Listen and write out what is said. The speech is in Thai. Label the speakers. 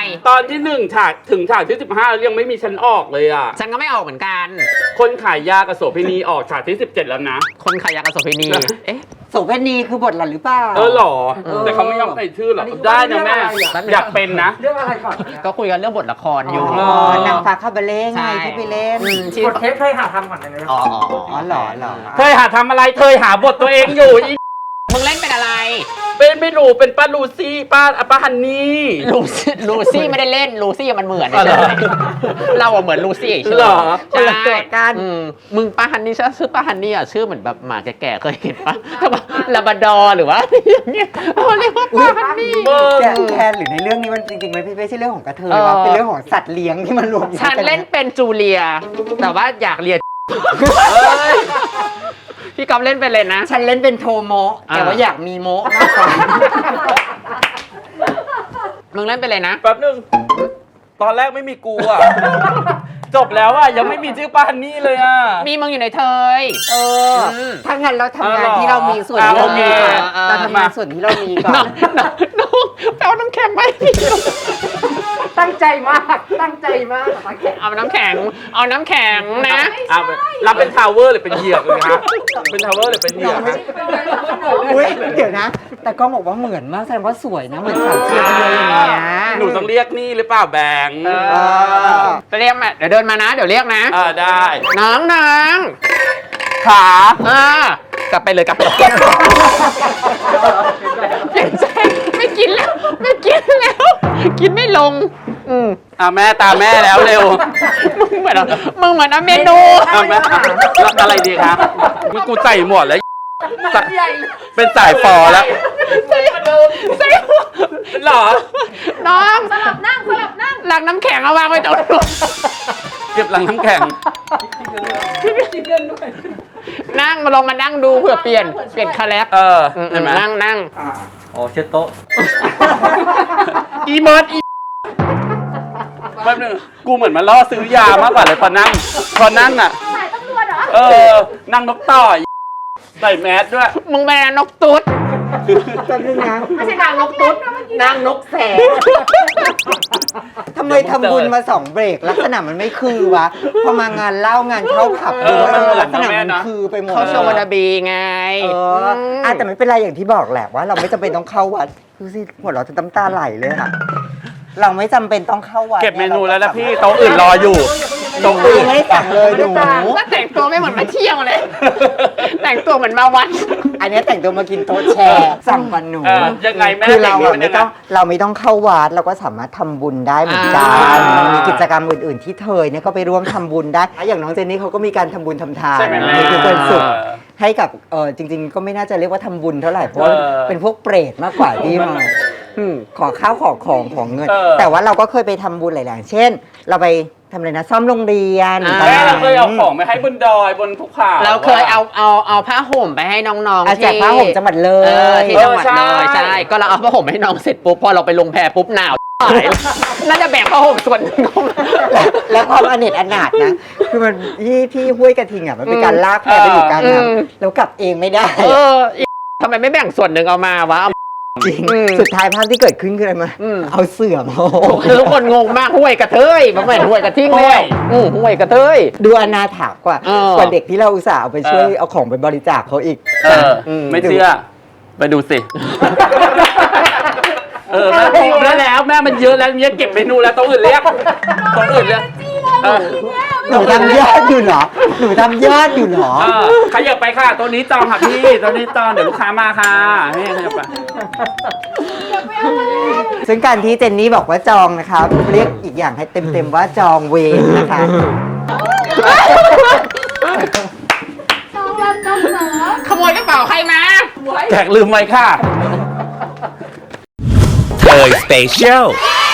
Speaker 1: ตอนที่1ฉากถึงฉากที่15ยังไม่มีฉันออกเลยอ่ะ
Speaker 2: ฉันก็ไม่ออกเหมือนกัน
Speaker 1: คนขายยากับโสเภณีออกฉากที่17แล้วนะ
Speaker 2: คนขายยากับโสเภณีเอ๊ะ
Speaker 3: โสเภณีคือบทหล่อนหรือเปล่า
Speaker 1: หรอแต่เขาไม่ยอมใส่ชื่อหรอได้นะแม่อยากเป็นนะ
Speaker 4: เรื่องอะไรก่อน
Speaker 2: ก็คุยกันเรื่องบทละครอยู่
Speaker 3: นางฟ้าคาบาเล่ไงที่ไปเล่น
Speaker 2: ที่
Speaker 4: กดเทปเคยหาทำก่อนเลย
Speaker 2: อ๋อ
Speaker 3: อ๋อเหรอ
Speaker 1: เธอหาทำอะไรเธอหาบทตัวเองอยู่อี
Speaker 2: มึงเล่นเป็นอะไร
Speaker 1: เป็นไม่รู้เป็นป้าลูซี่ป้าฮันนี่
Speaker 2: ลูซี่ไม่ได้เล่นลูซี่มันเหมือน
Speaker 1: อ๋อเหรอ
Speaker 2: เราอะเหมือนลูซี่ใช่
Speaker 1: เหรอ
Speaker 3: คนละตัวกัน
Speaker 2: มึงป้าฮันนี่ชื่อป้าฮันนี่อะชื่อเหมือนแบบหมาแก่ๆเคยเห็นปะแบบลาบราดอร์หรือว่าอะไรอย่างเงี้ยเขาเรียกว่าป้าฮันนี่
Speaker 3: แคนหรือในเรื่องนี้มันจริงๆมันไม่ใช่เรื่องของกระเทยว่าเป็นเรื่องของสัตว์เลี้ยงที่มันรวมอยู่
Speaker 2: ฉันเล่นเป็นจูเลีย แต่ว่าอยากเรียนพี่กอฟเล่นเป็นเลยนะ
Speaker 3: ฉันเล่นเป็นโทโมะแต่ว่าอยากมีโมะมากกว่า
Speaker 2: มึงเล่นเป็นเลยนะ
Speaker 1: แป๊บนึงตอนแรกไม่มีกูอ่ะ จบแล้วอ่ะยังไม่มีชื่อป้าฮันนี่เลยอ่ะ
Speaker 2: มีมึงอยู่ในเทย
Speaker 3: ถ้างั้นเราทำงานที่เรามีส่วนที่เรามีก่อน
Speaker 2: อ่า
Speaker 3: เราทำงานส่วนที่เรามีก่อน
Speaker 2: น้องไปเอาน้ำแข็งไหม
Speaker 4: ตั้งใจมากตั้งใจมาก
Speaker 2: เอาน้ำแข็งนะ
Speaker 1: รับเป็นทาวเวอร์หรือเป็นเหยือกเลยครับเป็นทาวเวอร์หรือเป็นเหยือกครับ
Speaker 3: อุ๊ยเดี๋ยวนะ แต่ก็บอกว่าเหมือนมากแสดงว่าสวยนะเหมือนสาวเทียมเลยอย่างเงี้ย
Speaker 1: หนูต้องเรียกนี่หรือเปล่าแบงค์
Speaker 2: ไปเรียกมาเดี๋ยวเดินมานะ เดี๋ยวเรียกนะ
Speaker 1: ได้
Speaker 2: น้อง
Speaker 1: ขา
Speaker 2: กลับไปเลยกลับไปเปลี่ยนใจไม่กินแล้ว กินไม่ลง
Speaker 1: แม่ตาแม่แล้วเร็ว
Speaker 2: มึงเหมือนเมนู
Speaker 1: แม่อะไรดีครับมึงกูใส่หมดแล้วเป็นสายฟอแล้ว
Speaker 2: ใส่หรอน้องสลับนั่งหลังน้ำแข็งเอาวางไว้ตรงนู้น
Speaker 1: เก็บหลังน้ำแข็ง
Speaker 2: นั่งมาลองมานั่งดูเผื่อเปลี่ยนคาแรค
Speaker 1: เห็นไหม
Speaker 2: นั่ง
Speaker 4: อ๋อเช็ดโต๊ะ
Speaker 1: อีเมิร์ดอีแป๊บนึงกูเหมือนมาล่อซื้อยามากกว่าเลยพอนั่งอ่ะสายตำรวจเหรอนั่งนกต่อใส่แมสด้วย
Speaker 2: มึงเป็นนกตุ๊ด
Speaker 3: จำนึงนะ
Speaker 2: ไม่ใช่นางนกตุ๊ดนางนกแสก
Speaker 3: ทำไมทำบุญมา2 เบรกลักษณะมันไม่คือวะพอมางานเล่างานเข้าผับลักษณะมันคือไปหมด
Speaker 2: เขาโชว์วานาบีไง
Speaker 3: แต่ไม่เป็นไรอย่างที่บอกแหละว่าเราไม่จำเป็นต้องเข้าวัดดูสิหัวเราะจะน้ำตาไหลเลยค่ะเราไม่จำเป็นต้องเข้าวัด
Speaker 1: เก็บเมนูแล้วนะพี่โต๊ะอื่นรออยู่โต๊ะ
Speaker 3: กู
Speaker 1: อื่น
Speaker 3: ไม่ได้สั่งเลยหนู
Speaker 2: ก็แต่งตัวไม่เหมือนมาเที่ยวเลย แต่งตัวเหมือนมาวัด
Speaker 3: อันนี้แต่งตัวมากินโต๊ะแชร์สั่งกันหนู
Speaker 1: ยังไงแม่
Speaker 3: คือเรา
Speaker 1: แต่งนี้มัน
Speaker 3: ไม่
Speaker 1: ยังไง
Speaker 3: ต้องเราไม่ต้องเข้าวัดเราก็สามารถทำบุญได้เหมือนกันมันมีกิจกรรมอื่นๆที่เธอเนี่ยก็ไปร่วมทำบุญได้อย่างน้องเจนนี่เขาก็มีการทำบุญทำทาน
Speaker 1: ใช่ไหมแม่
Speaker 3: นี่คือเป็นสุขให้กับจริงๆ ก็ไม่น่าจะเรียกว่าทำบุญเท่าไหร่เพราะว่าเป็นพวกเปรตมากกว่าที่มาขอข้าวขอของเงิน แต่ว่าเราก็เคยไปทำบุญหลายๆเช่น เราไปทำอะไรนะซ่อมโรงเรียน
Speaker 1: แม่เราเคยเอาของไปให้บนดอยบนภูเขา
Speaker 2: เราเคยเอาผ้าห่มไปให้น้องๆ
Speaker 3: แจกผ้าห่มจังหวัดเลย
Speaker 2: ที่จังหวัดเลยใช่ก็เราเอาผ้าห่มให้น้องเสร็จปุ๊บพอเราไปลงแพปุ๊บหนาวน่าจะแบ่งผ้าห่มส่วนหนึ่งเข้ามา
Speaker 3: แล้วความอเนจอนาถนะคือมันที่ห้วยกระทิงอ่ะมันเป็นการลากแพไปอยู่กลางน้ำแล้วกลับเองไม่ได้
Speaker 2: ทำไมไม่แบ่งส่วนหนึ่งเอามาวะ
Speaker 3: จริงสุดท้ายภาพที่เกิดขึ้นคืออะไรมาเอาเสื่อมา
Speaker 2: ทุกคนงงมากห้วยกระเทยมันไม่ห้วยกระทิงแล้วห้วยกระเทย
Speaker 3: ดูอนาถากว่าเด็กที่เราอุตส่าห์เอาไปช่วยเอาของไปบริจาคเขาอีก
Speaker 1: ไม่เชื่อไปดูสิแม่พอแล้วแม่มันเยอะแล้วเก็บเมนูแล้วต้องอื่นเรียก
Speaker 3: หนูทำยอดอยู่เหรอ
Speaker 1: ขยับไปค่ะตัวนี้จองค่ะพี่ตัวนี้จองเดี๋ยวลูกค้ามาค่ะนี่ขยับไป
Speaker 3: ซึ่งการที่เจนนี่บอกว่าจองนะคะเรียกอีกอย่างให้เต็มๆว่าจองเวรนะคะ
Speaker 2: ขโมยกระเป๋าใครมา
Speaker 1: แขกลืมไว้ค่ะ
Speaker 5: เทยสเปเชียล